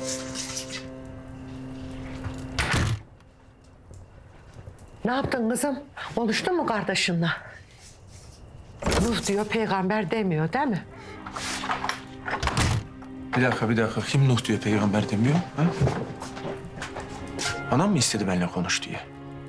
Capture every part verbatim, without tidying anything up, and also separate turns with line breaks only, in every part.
Ne yaptın kızım? Konuştun mu kardeşinle? Nuh diyor, peygamber demiyor değil mi?
Bir dakika, bir dakika. Kim Nuh diyor, peygamber demiyor? Ha? Anam mı istedi benimle konuş diye?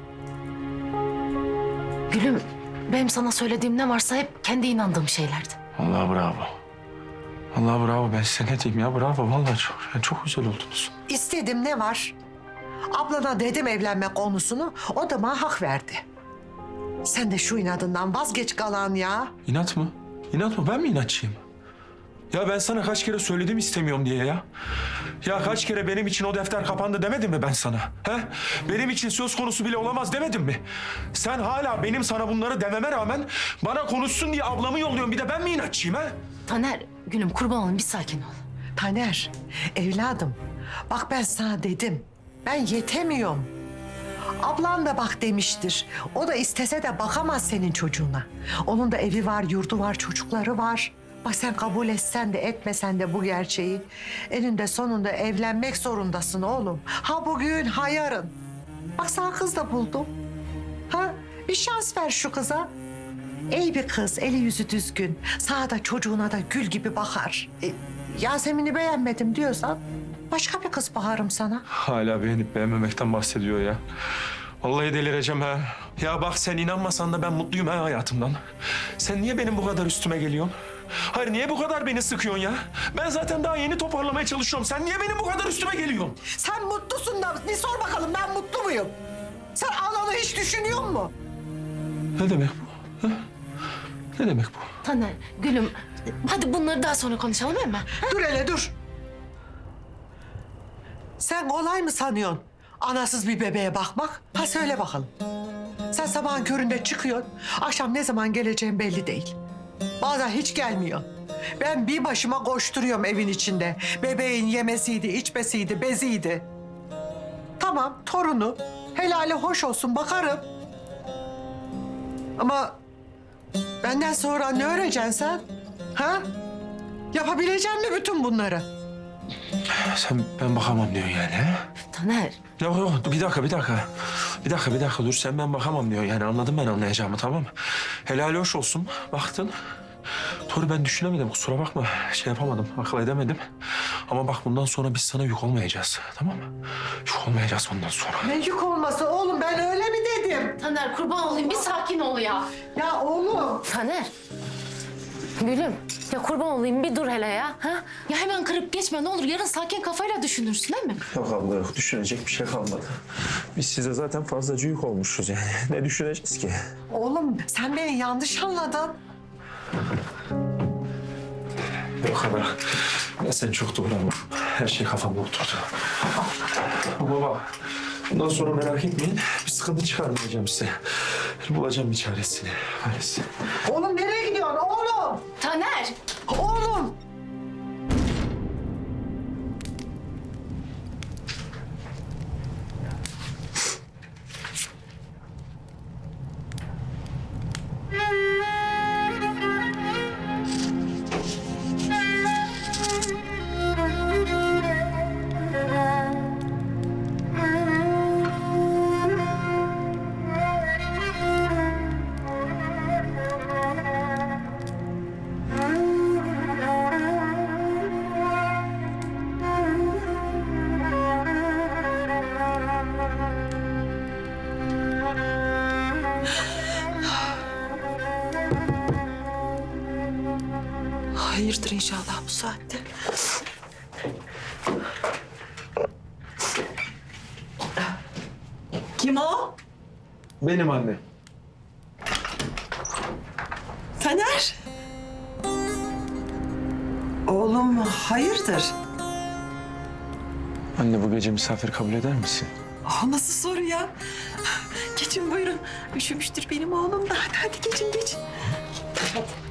Gülüm, benim sana söylediğim ne varsa hep kendi inandığım şeylerdi.
Allah bravo. Allah bravo. Ben size ne diyeyim ya? Bravo. Vallahi çok, yani çok güzel oldunuz.
İstedim ne var? Ablana dedim evlenme konusunu, o da bana hak verdi. Sen de şu inadından vazgeç kalan ya.
İnat mı? İnat mı? Ben mi inatçıyım? Ya ben sana kaç kere söyledim istemiyorum diye ya. Ya kaç kere benim için o defter kapandı demedim mi ben sana? He? Benim için söz konusu bile olamaz demedim mi? Sen hala benim sana bunları dememe rağmen bana konuşsun diye ablamı yolluyorsun. Bir de ben mi inatçıyım ha?
Taner, Gülüm kurban olayım bir sakin ol.
Taner, evladım, bak ben sana dedim. Ben yetemiyorum. Ablan da bak demiştir. O da istese de bakamaz senin çocuğuna. Onun da evi var, yurdu var, çocukları var. Bak sen kabul etsen de etmesen de bu gerçeği, eninde sonunda evlenmek zorundasın oğlum. Ha bugün, ha yarın. Bak sana kız da buldum. Ha, bir şans ver şu kıza. İyi bir kız, eli yüzü düzgün. Sana da çocuğuna da gül gibi bakar. E, Yasemin'i beğenmedim diyorsan başka bir kız bakarım sana.
Hala beğenip beğenmemekten bahsediyor ya. Vallahi delireceğim ha. Ya bak sen inanmasan da ben mutluyum ha hayatımdan. Sen niye benim bu kadar üstüme geliyorsun? Hayır niye bu kadar beni sıkıyorsun ya? Ben zaten daha yeni toparlamaya çalışıyorum. Sen niye benim bu kadar üstüme geliyorsun?
Sen mutlusun da bir sor bakalım ben mutlu muyum? Sen ananı hiç düşünüyor musun?
Ne demek bu? Ha? Ne demek bu?
Taner, Gülüm, hadi bunları daha sonra konuşalım değil mi?
Dur hele dur. Sen kolay mı sanıyorsun anasız bir bebeğe bakmak? Ha söyle bakalım. Sen sabahın köründe çıkıyorsun, akşam ne zaman geleceğin belli değil. Bazen hiç gelmiyor. Ben bir başıma koşturuyorum evin içinde. Bebeğin yemesiydi, içmesiydi, beziydi. Tamam, torunu. Helali hoş olsun, bakarım. Ama benden sonra ne öğreceksin sen? Ha? Yapabilecek misin bütün bunları?
Sen ben bakamam diyorsun yani ha?
Taner,
Yok yok bir dakika bir dakika. Bir dakika bir dakika dur sen ben bakamam diyor yani anladım ben anlayacağımı tamam mı? Helal hoş olsun baktın. Doğru ben düşünemedim kusura bakma şey yapamadım akıl edemedim. Ama bak bundan sonra biz sana yük olmayacağız tamam mı? Yük olmayacağız bundan sonra.
Ne yük olması oğlum ben öyle mi dedim?
Taner kurban olayım bir sakin ol ya.
Ya oğlum.
Taner, Gülüm, ya kurban olayım bir dur hele ya. Ha? Ya hemen kırıp geçme ne olur yarın sakin kafayla düşünürsün değil mi?
Yok abla yok düşünecek bir şey kalmadı. Biz size zaten fazlaca yük olmuşuz yani. Ne düşüneceğiz ki?
Oğlum sen beni yanlış anladın.
Yok abla ben seni çok doğru anladım. Her şey kafamda oturdu. Ama bak bundan sonra merak etmeyin bir sıkıntı çıkarmayacağım size. Bulacağım bir çaresini. Çaresi.
Oğlum nereye gidiyorsun oğlum?
Taner!
Oğlum. Hayırdır inşallah bu saatte. Kim o?
Benim anne.
Taner. Oğlum hayırdır?
Anne bu gece misafir kabul eder misin?
O nasıl soru ya? Geçin buyurun. Üşümüştür benim oğlum da. Hadi hadi geçin geçin. Hadi.